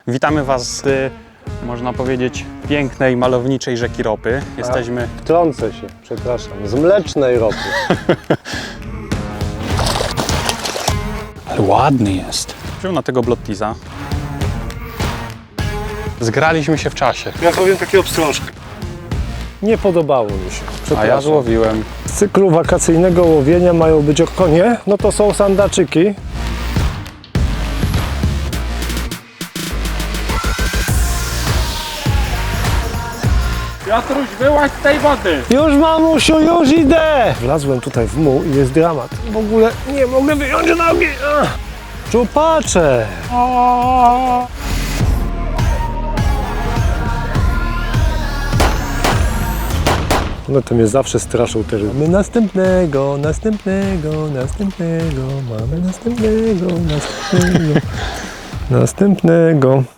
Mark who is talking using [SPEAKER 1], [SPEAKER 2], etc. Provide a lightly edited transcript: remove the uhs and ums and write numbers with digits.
[SPEAKER 1] Witamy Was z, można powiedzieć, pięknej, malowniczej rzeki Ropy. Jesteśmy...
[SPEAKER 2] Wtrącę się, przepraszam, z mlecznej ropy.
[SPEAKER 1] Ale ładny jest. Wziął na tego Blottiza. Zgraliśmy się w czasie.
[SPEAKER 2] Ja powiem takie obstrążki. Nie podobało mi się,
[SPEAKER 1] A
[SPEAKER 2] przepraszam.
[SPEAKER 1] ja złowiłem.
[SPEAKER 2] Z cyklu wakacyjnego łowienia mają być okonie, no to są sandaczyki.
[SPEAKER 1] Piotruś, wyłaź z tej wody!
[SPEAKER 2] Już mamusiu, już idę! Wlazłem tutaj w muł i jest dramat. W ogóle nie mogę wyjąć nogi. Czupacze! One to mnie zawsze straszą te ryby. Mamy następnego, mamy następnego.